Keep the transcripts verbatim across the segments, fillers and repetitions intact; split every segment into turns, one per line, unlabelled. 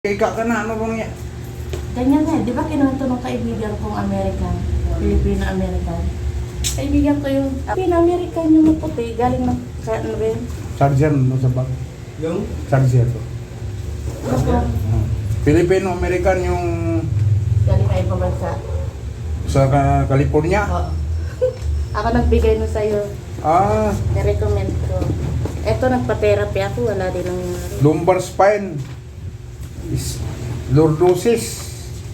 Ika ka na, ano bang yan?
Ganyan nga, di ba kinuwento ng kaibigan kong American, Filipino-American? Kaibigan ko yung Filipino-American yung maputi, galing ng, sa ano ba yun?
Charger no sa bag.
Yung?
Charger to.
Basta,
Uh, Filipino-American yung
galing kayo pabansa.
sa Ka- California.
Oo. Ako nagbigay nun sa'yo,
Ah,
na-recommend ko. Eto, nagpa-therapy ako, wala din nangyari.
lumbar spine. Is lordosis.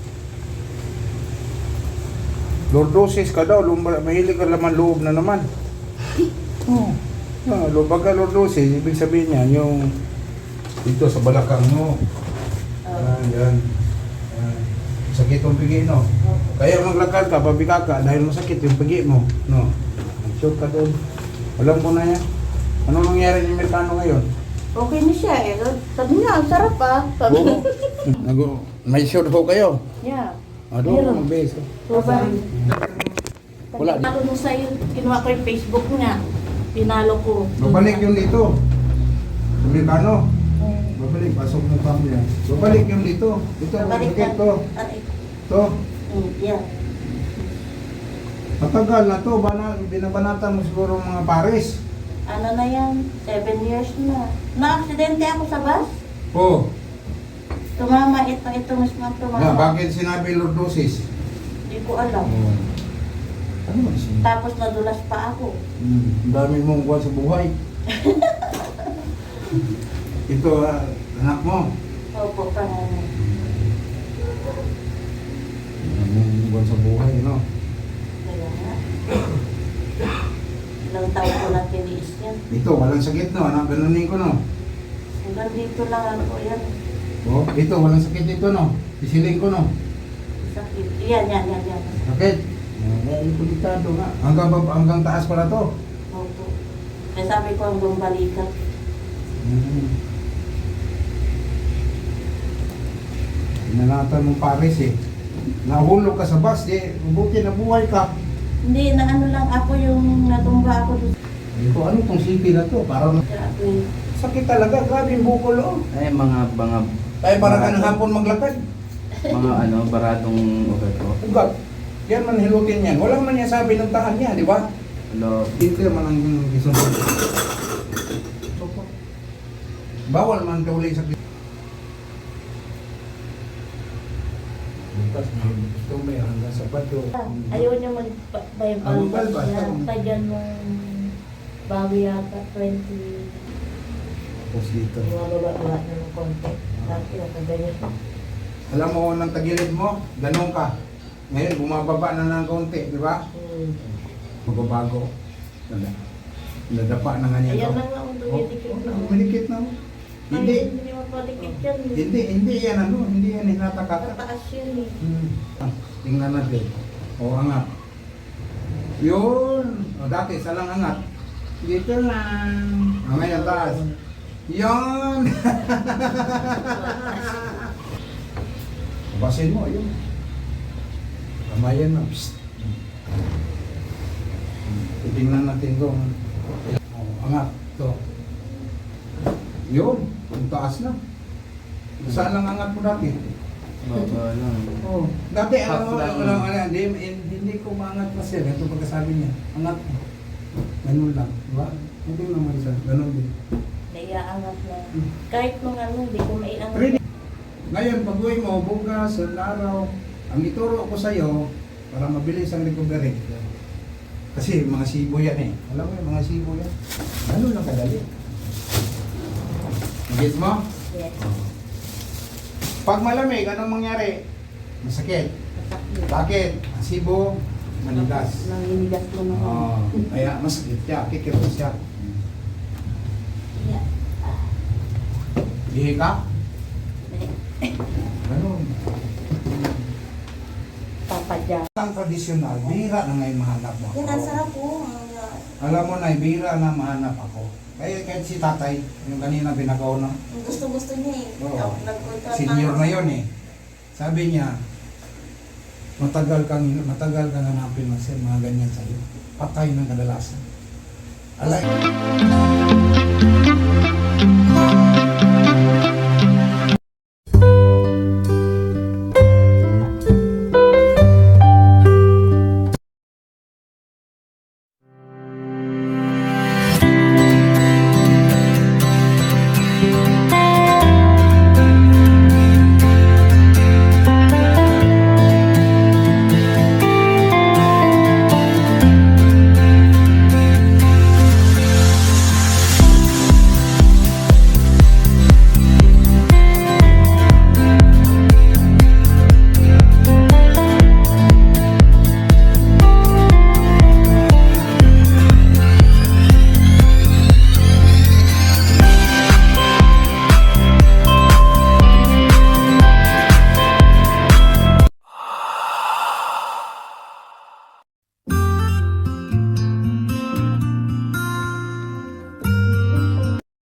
Lordosis ka daw, lumbar, mahilig ka laman loob na naman. Oh. Ah, lumbar ka lordosis, ibig sabihin niya yung dito sa balakang mo. Ah, yan. Ah, sakit yung pigi, no? Kaya maglakad ka, pabika ka, dahil masakit yung pigi mo, no? Shoot ka doon. Alam ko na yan. Ano nangyari ng Amerikano ngayon?
Okay na siya eh. Sabi niya, ang sarap ah. Sabi
Oo. Nago, may shoot ho kayo.
Yeah.
Ano,
Meron.
ang beso.
So, ba?
Wala.
Ako nung sa'yo, kinuha ko yung Facebook niya. Pinalo ko.
Babalik yung dito. Amerikano.
Hmm.
Babalik, pasok mo pa mo yan. Babalik yung dito. Dito,
Babalik
babalik
na.
to.
Aray.
To.
Hmm, yeah.
Matagal na to. Bana, binabanatan mo siguro mga Paris.
Ano na yan? Seven years na. Na-aksidente ako sa bus.
Oh.
Tumama ito, ito mismo ang tumama.
Na, bakit sinabi lordosis?
Hindi ko alam.
Ano ba siya?
Tapos nadulas pa ako.
Hmm, ang dami mong kuha sa buhay. Ito, ah, anak mo.
Opo, panganay.
Ang dami mong kuha sa buhay, no?
Kaya nga. Ilang taon ko na tiniis yan.
Ito, walang sakit, no? Anak, ganunin ko, no?
Hanggang dito lang ako yan.
Oh, ito, walang sakit dito, no? Pisiling ko, no?
Sakit. Yan, yan, yan, yan.
Sakit. Ay, delikado nga. Hanggang, bab- hanggang taas pala to.
Opo. Kaya sabi ko hanggang balikat.
Hmm. Inanatan mong Paris, eh. Nahulog ka sa bus, eh. Mabuti na buhay ka.
Hindi, na ano lang ako yung natumba ako doon.
Ito, ano tong sipi na to? Parang
Grabe.
sakit talaga. Grabe yung bukol, oh.
Ay, mga, mga,
Kaya para ka ng hapon maglakad.
mga ano, baradong ugat ko.
Ugat. Yan man hilutin yan. Walang man yan sabi ng tahan niya, di ba?
Hello.
Dito man ang gisunod. Bawal man ka uli sa bukas may gusto may hanggang sa bato.
Ayaw niya mag-Bible.
Ah, mag-Bible,
Kaya
basta.
tagyan mong bawi yata twenty.
Tapos dito.
Bumababa na ng konti. Tapos nakaganyan.
Alam mo nang tagilid mo, ganun ka. Ngayon bumababa na ng konti, di ba?
Hmm.
Magbabago. Nada. Nadapa na nga niya.
Ayan
to.
na nga ang dumidikit na.
Oh, Malikit na mo. Hindi.
Ay, hindi mapalikit yan.
Hindi, hindi yan ano, hindi yan hinatakata.
Mataas yun eh.
Hmm. Ah, tingnan natin. O, angat. Yun. O, dati, salang angat. Dito lang. O, ngayon, taas. Yun. Basin mo, yun. Kamayan mo. Psst. Tingnan natin kung o, angat. To. Yun. Ang taas na. Saan lang angat mo dati?
Baba lang.
Oh, dati
Half
alam mo,
lang.
alam mo, hindi, hindi ko maangat pa siya. Ito pagkasabi niya, angat mo. Ganun lang, di ba? Hindi naman siya, ganun din.
Naiaangat na. Kahit nung ano, hindi ko maiangat.
Ready? Ngayon, pag uwi mo, bukas, sa araw, ang ituro ko sa'yo, para mabilis ang recovery. Kasi mga sibo yan eh. Alam mo yung mga sibo yan. Ganun lang kadali. Get mo?
Yes.
Pag malamig, anong mangyari? Masakit.
Masakit.
Bakit? Ang sibo, manigas.
Nangingigas mo naman.
Oh, kaya masakit siya, kikirot siya.
Yeah.
Ihi ka? Ganun.
Papadya.
Ang tradisyonal, bihira na ngayon mahanap mo
Yan, ang
ako.
sarap po.
Alam mo na, bihira na mahanap ako. Kaya kahit si tatay, yung kanina binagaw na,
Gusto-gusto niya eh.
Oo.
Nagkontra-
senior na yon eh. Sabi niya, matagal kang matagal kang hanapin ng mga ganyan sa'yo. Patay ng kadalasan. Alay.